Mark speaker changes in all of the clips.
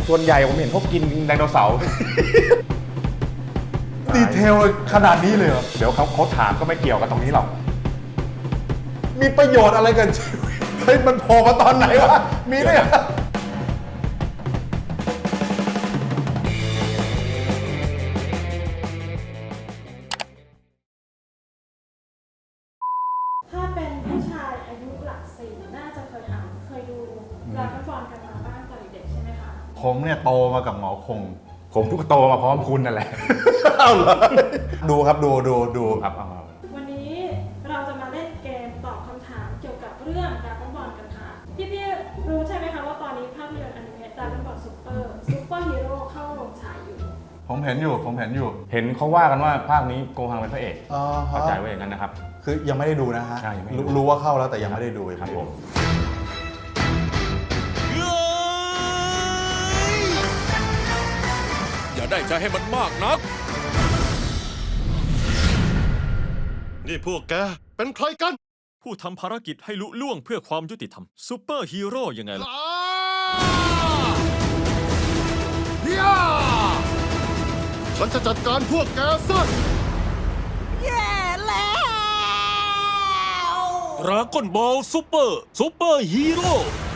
Speaker 1: ส่วนใหญ่ผมเห็นเขากินไดโนเสาร์
Speaker 2: ดีเทลขนาดนี้เลยเหรอ
Speaker 1: เดี๋ยวเขาถามก็ไม่เกี่ยวกับตรงนี้หรอก
Speaker 2: มีประโยชน์อะไรกันชีวิตเฮ้ยมันโผล่มาตอนไหนวะ มีด้วยเหรอ
Speaker 3: ถ้าเป็นผู้ชายอายุหลักสี่น่าจะเคยอ่านเคยดูดราก้อนบอลกันมาบ้างตอนเด็กๆใช่ไหมคะ
Speaker 2: ผมเนี่ยโตมากับหมอคง
Speaker 1: ผมทุกโตมาพร้อมคุณนั่นแหละ
Speaker 2: เอาเหรอ ดูครับดู
Speaker 1: ครับเอา
Speaker 3: วันนี้เราจะมาเล่นเกมตอบคำถามเกี่ยวกับเรื่องดราก้อนบอลกันค่ะพี่ๆรู้ใช่ไหมคะว่าตอนนี้ภาพยนตร์อนิเมะดราก้อนบอลซูเปอร์ฮีโร่เข้าโรงฉายอยู่
Speaker 2: ผมเห็นอยู่
Speaker 1: เห็นเขาว่ากันว่าภาคนี้โกฮังเป็นพระเอก
Speaker 2: อ๋อ
Speaker 1: เข้าใจว่าอย่างนั้นนะครับ
Speaker 2: คือยังไม่ได้ดูนะฮะ
Speaker 1: ใช่ยังไม่ได้ดู
Speaker 2: รู้ว่าเข้าแล้วแต่ยังไม่ได้ดู
Speaker 1: ครับผม
Speaker 4: อย่าได้ใจให้มันมากนัก
Speaker 5: นี่พวกแกเป็นใครกัน
Speaker 4: ผู้ทำภารกิจให้ลุล่วงเพื่อความยุติธรรมซูเปอร์ฮีโร่ยังไงล่ะ
Speaker 5: ย่าฉันจะจัดการพวกแกซะ
Speaker 4: ดราก้อนบอลซูเปอร์ฮีโร่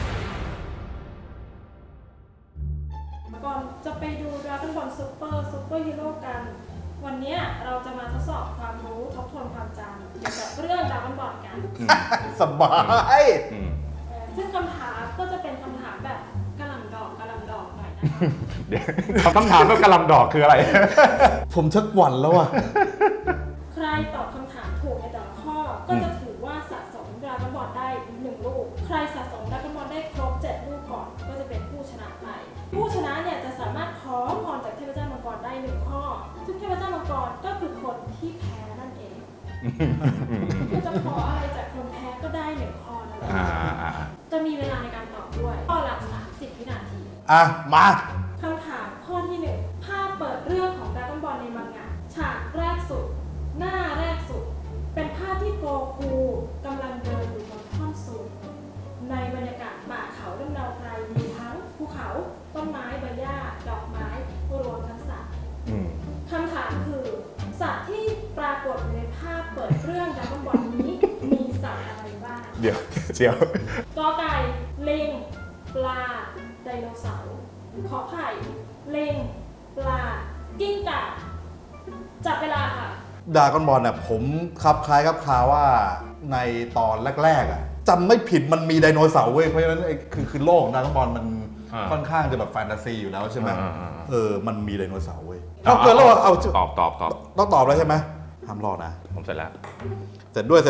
Speaker 3: ก่อนจะไปดูดราก้อนบอลซูเปอร์ฮีโร่กัน วันนี้เราจะมาทดสอบความรู้ทบทวนความจำเกี่ยวกับเรื่องดราก้อนบอลกัน
Speaker 2: สบาย
Speaker 3: ซึ่งคำถามก็จะเป็นคำถามแบบกระหล่ำดอกหน่อยนะคะ
Speaker 1: เดี๋ยวคำถามว่ากระลำดอกคืออะไร
Speaker 2: ผมชักหวั่นแล้วอ่ะ
Speaker 3: ใครตอบคำถามถูกในแต่ละข้อ ก็จะถือว่าสะสมดราก้อนบอลได้1ลูก ใครสะสมดราก้อนบอลได้ครบ7ลูกก่อน ก็จะเป็นผู้ชนะไป ผู้ชนะเนี่ยจะสามารถขอพรจากเทพเจ้ามังกรได้1ข้อ ซึ่งเทพเจ้ามังกรก็คือคนที่แพ้นั่นเองคือจะขออะไรจากคนแพ้ก็ได้1ข้อนั่นแหละ จะมีเวลาในการตอบด้วย ข้อละ30 วินาที
Speaker 2: อ่ะ มา
Speaker 3: คำถามข้อที่ 1 ภาพเปิดเรื่องของดราก้อนบอลในมังงะฉากแรกสุด หน้าแรกสุด เป็นภาพที่โกคูกำลังเดินอยู่บนท่อนสูง ในบรรยากาศป่าเขาลำเนาไพรมีทั้งภูเขา ต้นไม้ใบหญ้า ดอกไม้รวมทั้งสัตว์คำถามคือ สัตว์ที่ปรากฏอยู่ในภาพเปิดเรื่องดราก้อนบอลนี้มีสัตว์อะไรบ้าง
Speaker 1: เดี๋ยว
Speaker 3: กอไก่ลิงปลาไดโนเสาร์ขอไข่ลิงปลากิ้งก่าจับเวลาค่ะ
Speaker 2: ดราก้อนบอลน่ะผมครับคล้ายครับคาว่าในตอนแรกๆอ่ะจำไม่ผิดมันมีไดโนเสาร์เว้ย เพราะฉะนั้นคือโลกของดราก้อนบอลมันค่อนข้างจะแบบแฟนตาซีอยู่แล้วใช่ไหมมันมีไดโนเสาร์เว้ยเอาเกินแล้วเอา
Speaker 1: ตอบ
Speaker 2: ต้องตอบแล้วใช่ไหมห้ามรอนะ
Speaker 1: ผมเสร็จแล้ว
Speaker 2: เสร็จด้วย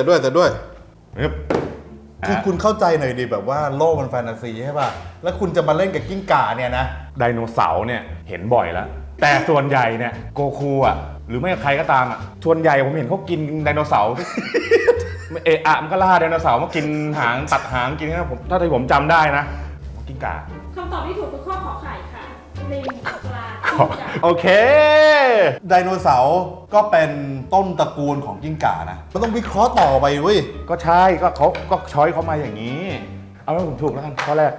Speaker 1: ปึ๊บ
Speaker 2: คือคุณเข้าใจหน่อยดิแบบว่าโลกมันแฟนตาซีใช่ป่ะ แล้วคุณจะมาเล่นกับกิ้งก่าเนี่ยนะ
Speaker 1: ไดโนเสาร์เนี่ยเห็นบ่อยแล้ว แต่ส่วนใหญ่เนี่ยโกคูอ่ะหรือไม่ใครก็ตามอ่ะส่วนใหญ่ผมเห็นเขากินไดโนเสาร์ มันก็ล่าไดโนเสาร์มากินหางตัดหางกินนะผมถ้าที่ผมจำได้นะกิ้งก่า
Speaker 3: คำตอบที่ถูกคือข้อขอไข่ค่ะลิงปลากิ้งก่า
Speaker 1: โอเค
Speaker 2: ไดโนเสาร์ก็เป็นต้นตระกูลของกิ้งก่านะ มันต้องวิเคราะห์ต่อไปเว้ย
Speaker 1: ก็ใช่ก็เขาก็ช้อยเขามาอย่างนี้ เอาแล้วผมถูกแล้วกันข้อแรก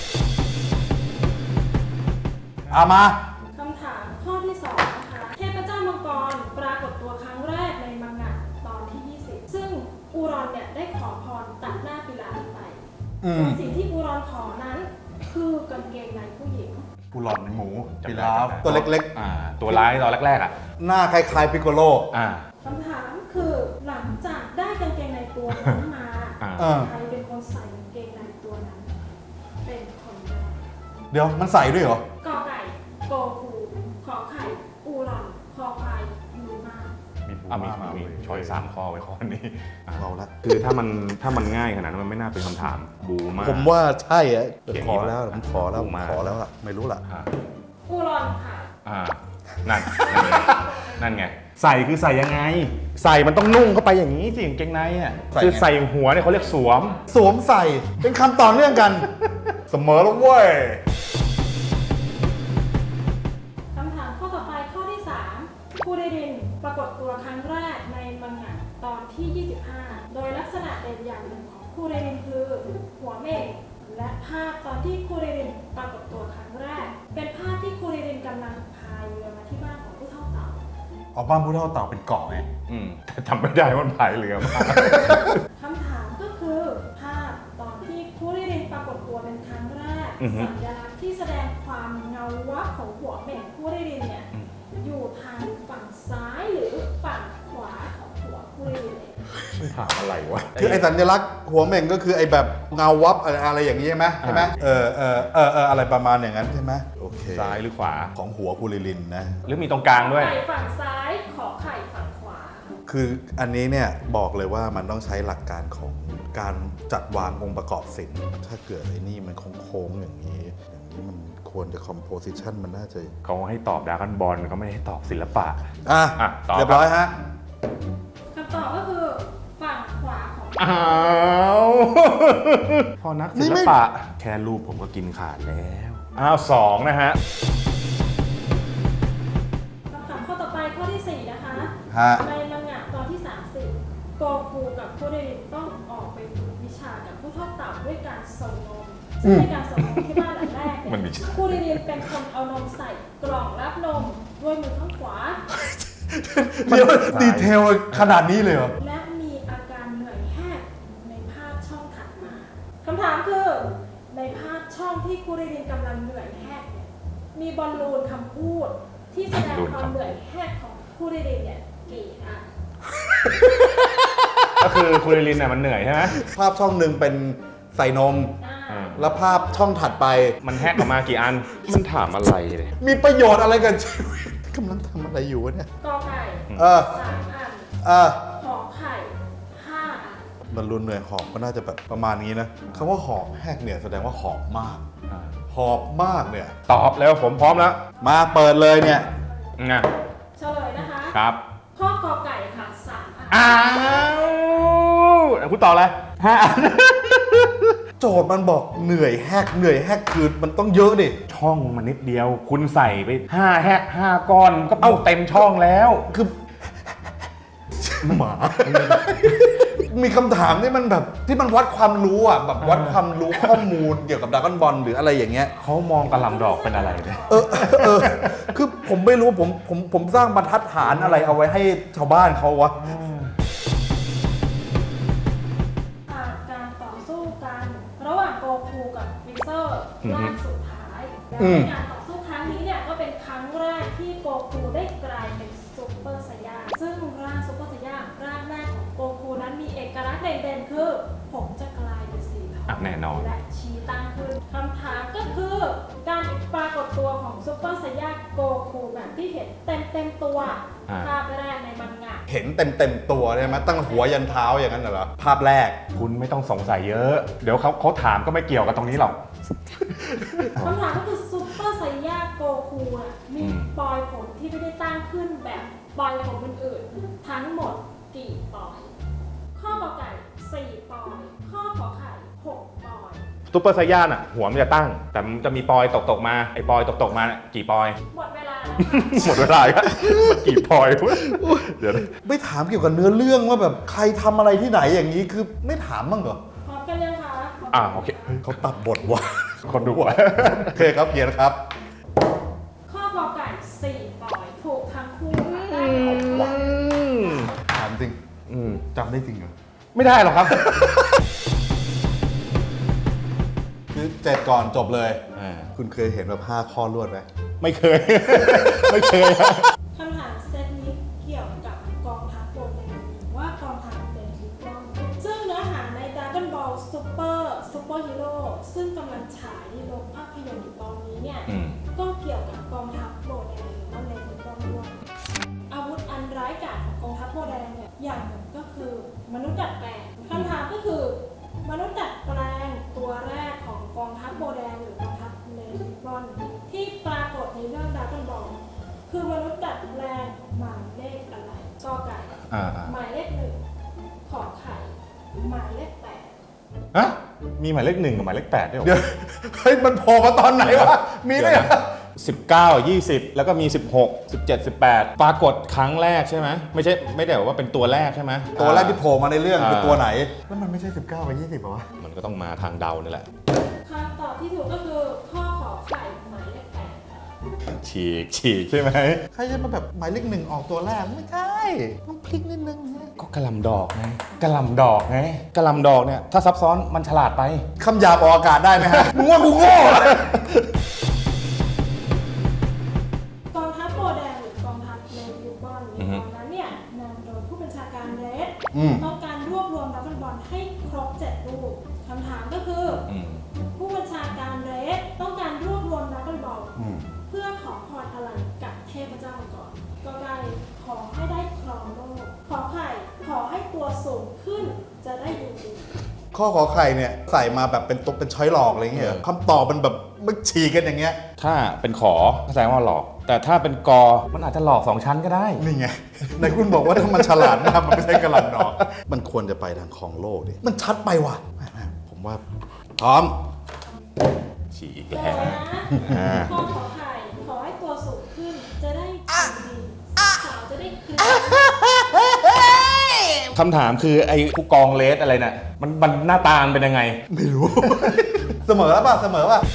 Speaker 2: เอามา
Speaker 3: คำถามข้อที่ 2 นะคะ เทพเจ้ามังกรปรากฏตัวครั้งแรกในมังงะตอนที่ 20 ซึ่งอูรอนเนี่ยได้ขอพรตัดหน้าปิลาไป สิ่งที่อูรอนขอนั้นคือกางเกงในผู้หญิง
Speaker 2: กูหลอนหมู
Speaker 1: จำได้
Speaker 2: ปิลาฟ
Speaker 1: จำได้
Speaker 2: ตัวเล็ก
Speaker 1: ตัวร้ายตอนแรกๆอ่ะ
Speaker 2: ๆ หน้าคล้ายๆปิโกโล
Speaker 3: คำถามคือหลังจากได้กางเกงในตัวนั้นมา ใครเป็นคนใส่กางเกงในตัวนั้น เป็นคนแรก
Speaker 2: เดี๋ยวมันใส่ด้วยเหรอ
Speaker 3: กอไก่โกคูขอไข่อูรอนคอควายยูมา
Speaker 1: มีช้อย3ข้อไว้ข้อนี้
Speaker 2: เราละ
Speaker 1: คือถ้ามันง่ายขนาดนั้นมันไม่น่าเป็นคำถามบูมาก
Speaker 2: ผมว่าใช่อะ
Speaker 1: เขียน
Speaker 2: ขอแล้ว
Speaker 1: อย่างนี้
Speaker 2: ผมขอแล้ว
Speaker 1: ถูกมาก
Speaker 2: ขอแล้วอะไม่รู้ละ
Speaker 3: อูรอนค่ะ
Speaker 1: นั่นไง ใส่คือใส่ยังไง ใส่มันต้องนุ่งเข้าไปอย่างนี้สิกางเกงในอ่ะคือใส่หัวเนี่ยเขาเรียกสวม
Speaker 2: สวมใส่เป็นคำต่อเนื่องกัน เสมอแล้วเว้ย
Speaker 3: คำถามข้อต่อไปข้อที่ 3 คูเรรินปรากฏตัวครั้งแรกในมังงะตอนที่ 25 โดยลักษณะเด่นอย่างหนึ่งของคูเรรินคือหัวเมฆและภาพตอนที่คูเรรินปรากฏตัวครั้งแรก เป็นภกำลังพายเรือมาที่บ้านของผู้เฒ่าเต่า
Speaker 2: ออกบ้านผู้เฒ่าเต่าเป็นเกาะไง
Speaker 1: แต่จำไม่ได้ว่ามันพายเรือมา
Speaker 3: คำถามก็คือภาพตอนที่คูริรินปรากฏตัวเป็นครั้งแรก
Speaker 1: อือฮึ
Speaker 3: สัญลักษณ์ที่แสดงความเงาวับของหัวเหม่งคูริรินเนี่ยอยู่ทางฝั่งซ้ายหรือฝั่งขวาของหัวคูริรินเอง
Speaker 1: ไม่ถามอะไรวะ
Speaker 2: คือไอ้สัญลักษณ์หัวเหม่งก็คือไอ้แบบเงาวับอะไรอย่างนี้ใช่ไหมอะไรประมาณอย่างนั้นใช่ไหมโอเค
Speaker 1: ซ้ายหรือขวา
Speaker 2: ของหัวคูริลินนะ
Speaker 1: หรือมีตรงกลางด้วย
Speaker 3: ไข่ฝั่งซ้ายขอไข่ฝั่งขวา
Speaker 2: คืออันนี้เนี่ยบอกเลยว่ามันต้องใช้หลักการของการจัดวางองค์ประกอบศิลป์ถ้าเกิดไอ้นี่มันโค้งๆอย่างนี้มันควรจะคอมโพสิชันมันน่าจะ
Speaker 1: เขาให้ตอบดราก้อนบอลเขาไม่ให้ตอบศิลปะ
Speaker 2: อ่ะ
Speaker 1: ตอบ
Speaker 2: เรียบร้อยฮะ
Speaker 3: คำตอบก็คือฝั่งขวาของ
Speaker 1: อ้าวพอนักศิลปะ แค่รูปผมก็กินขาดแล้ว อ้าว2นะฮะ
Speaker 3: คำถามข้อต่อไปข้อที่ 4 นะคะ
Speaker 2: ฮะ
Speaker 3: ในมังงะตอนที่ 30 โกคูกับคูริรินต้องออกไปฝึกวิชากับผู้เฒ่าเต่าด้วยการส่งนมซึ่งในการส่งนมที่บ้านหลังแรกเนี่
Speaker 1: มันมี
Speaker 3: ย
Speaker 1: ชื่อ
Speaker 3: คูริรินเป็นคนเอานมใส่กล่องรับนมด้วยมือข้างขวา
Speaker 2: เดี๋ยวดีเทลขนาดนี้เลยเหรอ
Speaker 3: และมีอาการเหนื่อยแหกในภาพช่องถัดมาคำถามคือในภาพช่องที่คูริรินกำลังเหนื่อยแหกเนี่ยมีบอลลูนคำพูดที่แสดงความเหนื่อยแหกของคูริรินเนี่ยกี่อัน
Speaker 1: ก็คือคูริลินน่ะมันเหนื่อยใช่ไหม
Speaker 2: ภาพช่องหนึ่งเป็นใส่นม แล้วภาพช่องถัดไป
Speaker 1: มันแฮกออกมากี่อัน มันถามอะไรเลย
Speaker 2: มีประโยชน์อะไรกันชีวิตกำลังทำอะไรอยู่วะเนี่ย
Speaker 3: กอไก่
Speaker 2: เออ
Speaker 3: 3 อัน ขอไข่ 5 อัน
Speaker 2: บรรลุนเหนื่อยหอบก็น่าจะแบบประมาณนี้นะคำว่าหอบแหกเนี่ยแสดงว่าหอบมาก หอบมากเนี่ย
Speaker 1: ตอบแล้วผมพร้อมแล้ว
Speaker 2: มาเปิดเลยเนี่ย
Speaker 1: นะ
Speaker 3: เฉลยนะคะ
Speaker 1: ครับ
Speaker 3: ข้อกอไก่ค่ะ 3 อัน
Speaker 1: อ้าวคุณต่อเลย5 อัน
Speaker 2: โจทย์มันบอกเหนื่อยแหกคือมันต้องเยอะดิ
Speaker 1: ช่องมันนิดเดียว คุณใส่ไป5 แฮก 5 ก้อนก็เอาเต็มช่องแล้ว
Speaker 2: คือหมา มีคำถามที่มันแบบที่มันวัดความรู้อ่ะแบบวัดความรู้ข้อมูลเกี่ยวกับดราก้อนบอลหรืออะไรอย่างเงี้ย
Speaker 1: เขามองกระหลำดอกเป็นอะไรเนี่ย
Speaker 2: คือผมไม่รู้ผมสร้างบรรทัดฐานอะไรเอาไว้ให้ชาวบ้านเขาวะ
Speaker 3: การต่อสู้กันระหว่างโกคูกับฟิเซอร์ร่างสุดท้ายและ
Speaker 2: อืม
Speaker 3: การต่อสู้ครั้งนี้เนี่ยก็เป็นครั้งแรกที่โกคูได้กลายเป็นซูเปอร์ไซยาซึ่งร่างซูเปอร์ไซยาร่างแรกของโกคูนั้นมีเอกลักษณ์เด่นๆคือผมจะกลายเป็นสีทอง
Speaker 1: แน่นอน
Speaker 3: และชี้ตั้งขึ้นคำถามก็คือการปรากฏตัวของซูเปอร์ไซยาโกคูแบบที่เห็นเต็มตัวภาพแรกในมังงะ
Speaker 2: เห็นเต็มตัวใช่ไหมตั้งหัวยันเท้าอย่างนั้นเหรอภาพแรก
Speaker 1: คุณไม่ต้องสงสัยเยอะ เดี๋ยวเขาถามก็ไม่เกี่ยวกับตรงนี้หรอก
Speaker 3: คำถามก็คือซูเปอร์ไซย่าโกคูน่ะมี
Speaker 1: อืม
Speaker 3: ปลอยผมที่ไม่ได้ตั้งขึ้นแบบปลอยผมอื่นๆทั้งหมดกี่ปลอย ข้อกอไก่4 ปลอย ข้อขอไข่6 ปลอย
Speaker 1: ซูเปอร์ไซย่าน่ะหัวมันจะตั้ง แต่มันจะมีปอยตกมาไอ้ปอยตกมาน่ะกี่ปอย
Speaker 3: หมดเวลาแล้วค่ะ
Speaker 1: หมดเวลาอีกแล้วมันกี่ปอยวะเดี๋ยวนะ
Speaker 2: ไม่ถามเกี่ยวกับเนื้อเรื่องว่าแบบใครทำอะไรที่ไหนอย่างนี้คือไม่ถามบ้างเหรอ
Speaker 3: พร้อมกันยังคะ
Speaker 1: โอเค
Speaker 2: เขาตัดบทว่ะ
Speaker 1: คนดูอ่ะ
Speaker 2: โอเคครับเขียนครับ
Speaker 3: ข้อกอไก่4 ปลอย ถูกทั้งคู่ค่ะได้
Speaker 2: ถามจริง
Speaker 1: อืม
Speaker 2: จำได้จริงเหรอ
Speaker 1: ไม่ได้หรอกครับ
Speaker 2: คือเจ็ดก่อนจบเลย คุณเคยเห็นแบบ5 ข้อรวดไหม
Speaker 1: ไม่เคย ไม่เคยฮะ
Speaker 3: คำถามเซตนี้เกี่ยวกับกองทัพโบแดงหรือว่ากองทัพเดนทิกอนซึ่งเนื้อหาใน Dragon Ball Super Hero ซึ่งกำลังฉายในโรงภาพยนตร์อยู่ตอนนี้เนี่ย
Speaker 1: อืม
Speaker 3: ก็เกี่ยวกับกองทัพโบแดงหรือว่าเดนทิกอนด้วย อาวุธอันร้ายกาจของกองทัพโบแดงเนี่ยอย่างหนึ่งก็คือมนุษย์ดัดแปลงคำถามก็คือมนุษย์ดัดแปลงตัวแรกของกองทัพโบแดงหรือกองทัพเดนทิกอนที่ปรากฏในเรื่อง Dragon Ball คือมนุษย์ดัดแปลงหมายเลขอะไรกอไก่หมายเลข 1 ขอไข่หมายเลข 8
Speaker 1: ฮะมีหมายเลข1กับหมายเลข8ด้วยเหรอ
Speaker 2: เดี๋ยวเฮ้ยมันโผล่มาตอนไหนวะ มีเลยเหรอ
Speaker 1: 19 20 แล้วก็มี 16 17 18 ปรากฏครั้งแรกใช่ไหมไม่ได้ว่าเป็นตัวแรกใช่ไหม
Speaker 2: ตัวแรกที่โผล่มาในเรื่องคือตัวไหน แล้วมันไม่ใช่19ไป20ป่ะวะ
Speaker 1: มันก็ต้องมาทางเดานี่แหละ
Speaker 3: คำตอบที่ถูกก็คือข้อขอไข่หมายเลข 8ค่ะ
Speaker 1: ฉีกใช่ไหม
Speaker 2: ใครจะมาแบบหมายเลข 1ออกตัวแรกไม่ใช่ต้องพลิกนิดนึงนะ
Speaker 1: ก็กระหลำดอกไงกระหลำดอกไงกระหลำดอกเนี่ยถ้าซับซ้อนมันฉลาดไป
Speaker 2: คำหยาบออกอากาศได้ไหมฮะ มึงว่ากูโง่เหรอก
Speaker 3: องทัพโบแดงหรือกองทัพเลยูบอลในตอนนั้นเนี่ยนำโดยผู้บัญชาการเรดต้องการรวบรวมดราก้อนบอลให้ครบ7ลูกคำถามก็คืออผู้บัญชาการเรดต้องการรวบรวมดราก้อนบอลเพื่อขอพรอะไรกับเทพเจ้ามังกรกอไก่ขอให้ได้ครองโลกขอไข่ขอให้ตัวสูงขึ้นจะได้ดูดี
Speaker 2: ข้อขอไข่เนี่ยใส่มาแบบเป็นตัวเป็นช้อยหลอกอะไรอย่างเงี้ยเหรอคำตอบมันแบบไม่ฉีกกันอย่างเงี้ย
Speaker 1: ถ้าเป็นขอแสดงว่าหลอก แต่ถ้าเป็นกอมันอาจจะหลอก2ชั้นก็ได้
Speaker 2: นี่ไงในคุณบอกว่าถ้ามันฉลาดมากมันไม่ใช่กระหล่ำดอก มันควรจะไปทางของโลกดิมันชัดไปว่ะไม่ผมว่าพร้อม
Speaker 1: ฉีก
Speaker 3: เจอ
Speaker 1: แล้ว
Speaker 3: นะข้อขอไข่ขอให้ตัวสูงขึ้นจะได้ดีสาวจะได้กรี๊ด
Speaker 1: คำถามคือไอ้ผู้กองเลสอะไรน่ะมันหน้าตามันเป็นยังไง
Speaker 2: ไม่รู้ เสมอป่ะเสมอป่ะ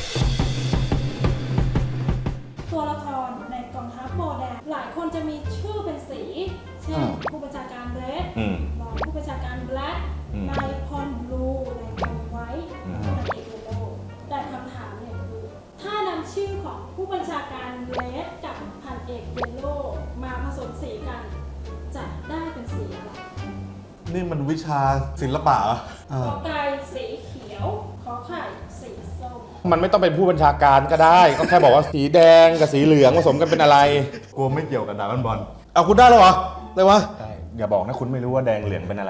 Speaker 3: ตัวละครในกองทัพโบแดงหลายคนจะมีชื่อเป็นสี เช่นผู้บัญชาการเรด รองผู้บัญชาการแบล็กนายพลบลูนายพลไวท์นายเอกเยลโลแต่คำถามเนี่ยคือถ้านำชื่อของผู้บัญชาการเรดกับพันเอกเยลโลมาผสมสีกัน จะได้เป็นสีอะไร
Speaker 2: นี่มันวิชาศิลปะเหรอ
Speaker 3: ขอไก่สีเขียว ขอไข่สีส้ม
Speaker 1: มันไม่ต้องเป็นผู้บัญชาการก็ได้ ก็แค่บอกว่าสีแดงกับสีเหลืองผสมกันเป็นอะไร
Speaker 2: กลัวไม่เกี่ยวกับดราก้อนบอลเอาคุณได้แล้วเหรอได้วะ
Speaker 1: ได้อย่าบอกนะคุณไม่รู้ว่าแดงเหลืองเป็นอะไร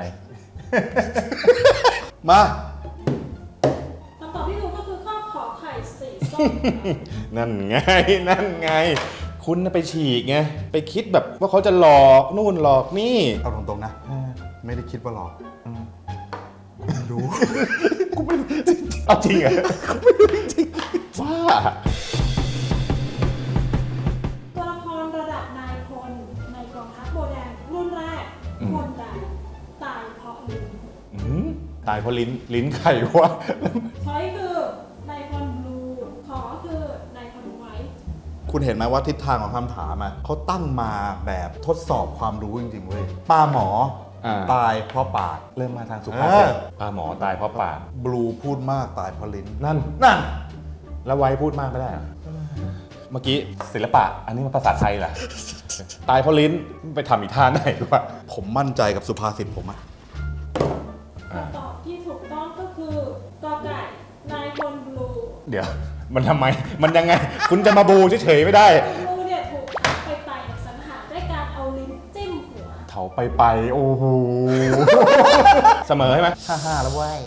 Speaker 2: มา
Speaker 3: คำตอบที่ถูกก็คือข้อขอไข่สีส้ม
Speaker 1: นั่นไง นั่นไง คุณน่ะไปฉีกไง ไปคิดแบบว่าเขาจะหลอกนู่นหลอกนี่
Speaker 2: เอาตรงๆนะ ไม่ได้คิดว่าหรอกไม่รู้
Speaker 1: เอาจริงเหรอไม่รู้จริงว่า
Speaker 3: ตัวละครระดับนายพลในกองทัพโบแดงรุ่นแรกคนใดตายเพราะลิ้น
Speaker 1: ตายเพราะลิ้นไข่วะ
Speaker 3: ช้อยคือนายพลบลูขอคือนายพลไวท์
Speaker 2: คุณเห็นไหมว่าทิศทางของคำถามอะเขาตั้งมาแบบทดสอบความรู้จริงๆเว้ยป้าหมอตายเพราะปาก
Speaker 1: เริ่มมาทางสุภาษิต
Speaker 2: เออ
Speaker 1: ปลาหมอตายเพราะปาก
Speaker 2: บลูพูดมากตายเพราะลิ้น
Speaker 1: นั่น
Speaker 2: นั่น
Speaker 1: แล้วไว้พูดมากไม่ได้เหรอเมื่อกี้ศิลปะ อันนี้มันภาษาไทยเหรอ ตายเพราะลิ้นไปทำอีกท่าไหนวะ
Speaker 2: ผมมั่นใจกับสุภาษิตผมอะ
Speaker 3: คำตอบที่ถูกต้องก็คือกอไก่นายพลบลู
Speaker 1: เดี๋ยว มันทำไม มันยังไง คุณจะมาบูเฉยๆไม่ได้
Speaker 3: บลูเนี่ยถูกทับไปสังหารด้วยการเอาลิ้นจิ้มหัว
Speaker 1: เถาไปโอ้โห เสมอใช่ไหม5-5แล้วเว้ย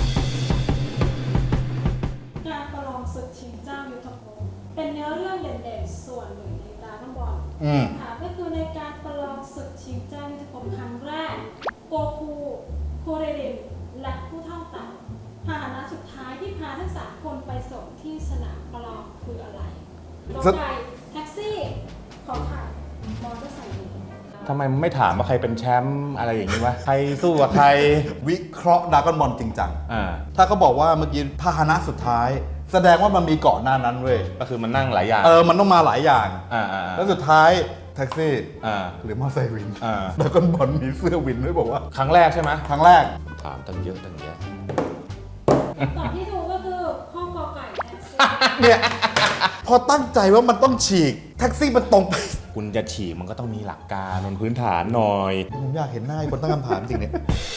Speaker 3: การประลองศึกชิงเจ้ายุทธภพเป็นเนื้อเรื่องเด่นๆส่วนหนึ่งในดราก้อนบอลถามก็คือในการประลองศึกชิงเจ้ายุทธภพครั้งแรก โกคูโคเรรินและผู้เท่าเต่าพาหนะสุดท้ายที่พาทั้ง3คนไปส่งที่สนามประลองคืออะไรกอไก่แท็กซี่ขอไข่มอเตอร์ไซค์
Speaker 1: ทำไมไม่ถามว่าใครเป็นแชมป์อะไรอย่างนี้วะ ใครสู้กับใคร
Speaker 2: วิเคราะห์ดราก้อนบอลจริงจัง
Speaker 1: อ่า
Speaker 2: ถ้าเขาบอกว่าเมื่อกี้พาหนะสุดท้าย แสดงว่ามันมีเกาะหน้านั้นเว้ย
Speaker 1: ก็คือมันนั่งหลายอย่าง
Speaker 2: มันต้องมาหลายอย่าง แล้วสุดท้ายแท็กซี่ หรือมอเตอร์ไซค์วิน ดราก้อนบอลมีเสื้อวินด้วยบอกว่า
Speaker 1: ครั้งแรกใช่ไหม
Speaker 2: ครั้งแรก
Speaker 1: ถามตั้งเยอะตั้งแยะ
Speaker 3: ตอบที่ถูกก็คือข้อกอไก่แท็กซี่
Speaker 2: เนี่ย พอตั้งใจว่ามันต้องฉีกแท็กซี่มันตรงไป
Speaker 1: คุณจะฉีกมันก็ต้องมีหลักการบนพื้นฐานหน่อย
Speaker 2: ผมอยากเห็นหน้าไอ้คนตั้งคำถามจริงเนี่ย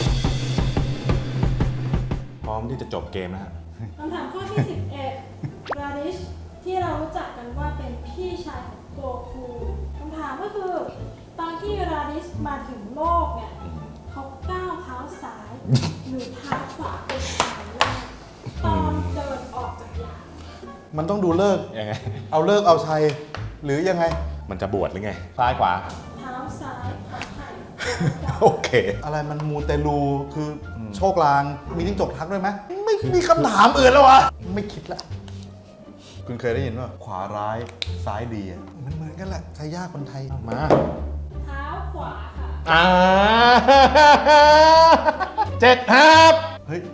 Speaker 1: พร้อมที่จะจบเกมนะฮะ
Speaker 3: คำถามข้อที่ 11 ราดิชที่เรารู้จักกันว่าเป็นพี่ชายของโกคูคำถามก็คือ ตอนที่ราดิชมาถึงโลกเนี่ยเขาก้าวเท้าซ้ายหรือเท้าขวาเป็นครั้งแรกตอนเดินออกจากยาน
Speaker 2: มันต้องดูเลิกษ์
Speaker 1: ยังไง
Speaker 2: เอาเลิกษ์เอาชัย หรือยังไง
Speaker 1: มันจะบวชหรือไง ซ้ายขวา
Speaker 3: เท้าซ้ายขวาไข่
Speaker 1: โอเค
Speaker 2: อะไรมันมูเตลูคือโชคลาง มีจิ้งจกทักด้วยไหมไม่มีคำถามอื่นแล้ววะ ไม่คิดละ คุณเคยได้ยินว่าขวาร้ายซ้ายดีอะมันเหมือนกันแหละใช้ยากคนไทย
Speaker 1: มา
Speaker 3: เท้าขวาค่ะ
Speaker 1: 7 ครับ
Speaker 2: เฮ้ย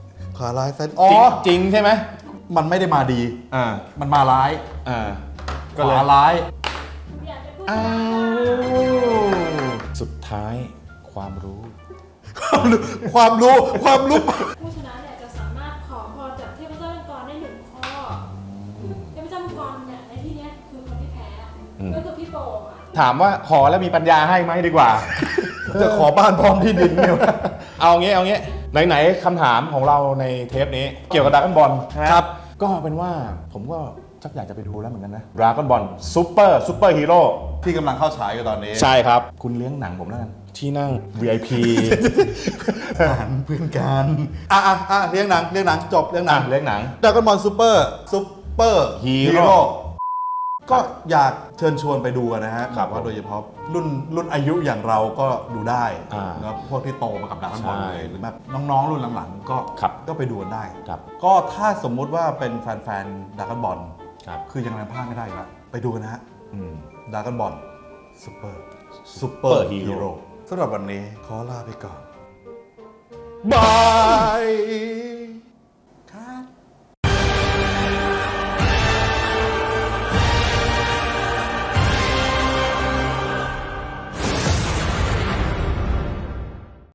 Speaker 2: ขวาร้ายซ้ายอ๋อ
Speaker 1: จริงใช่ไหม
Speaker 2: มันไม่ได้มาดี
Speaker 1: อ่า
Speaker 2: มันมาร้าย
Speaker 1: อ่า
Speaker 2: ข
Speaker 1: ก็เลย
Speaker 2: ขวาร้าย
Speaker 3: อยากจะพูด
Speaker 1: อ้า
Speaker 3: ว่า
Speaker 1: วสุดท้ายความรู้
Speaker 2: ความรู้
Speaker 3: ผู้ชนะเนี่ยจะสามารถขอพรจากเทพเจ้ามังกรได้หนึ่งข้อเทพเจ้ามังกรเนี่ยในที่เนี้ยคือคนที่แพ้ก็คือพี่โป่งอ่ะ
Speaker 1: ถามว่าขอแล้วมีปัญญาให้ไหมดีกว่า
Speaker 2: จะขอบ้านพร้อมที่ดินเนี่ย
Speaker 1: เอางี้ไหนๆคำถามของเราในเทปนี้เกี่ยวกับดราก้อนบอล
Speaker 2: ครับ
Speaker 1: ก็เป็นว่าผมก็ชักอยากจะไปดูแล้วเหมือนกันนะดราก้อนบอลซูเปอร์ฮีโร่
Speaker 2: ที่กำลังเข้าฉายกันตอนนี้
Speaker 1: ใช่ครับ คุณเลี้ยงหนังผมแล้วกันที่นั่ง VIP
Speaker 2: อาหารเพื่อนกันเลี้ยงหนังจบเลี้ยงหนัง
Speaker 1: เลี้ยงหนัง
Speaker 2: ดราก้อนบอลซูเปอร์ฮีโร่ก็อยากเชิญชวนไปดูกันนะฮะ
Speaker 1: ครับ
Speaker 2: ว่าโดยเฉพาะรุ่นอายุอย่างเราก็ดูได้
Speaker 1: อ่า
Speaker 2: นะพวกที่โตมากับดราก้อนบอล
Speaker 1: ใช่
Speaker 2: เลยหรือแบบน้องๆรุ่นหลังๆก็
Speaker 1: ครับ
Speaker 2: ก็ไปดูกันได้
Speaker 1: ครับ
Speaker 2: ก็ถ้าสมมุติว่าเป็นแฟนๆดราก้อนบอล
Speaker 1: ครับ
Speaker 2: คือยังไงพลาดไม่ได้ครับไปดูกันนะฮะ
Speaker 1: อืม
Speaker 2: ดราก้อนบอลซูเปอร์
Speaker 1: ฮี
Speaker 2: ฮี
Speaker 1: โร่
Speaker 2: โร่สำหรับวันนี้ขอลาไปก่อน
Speaker 1: บาย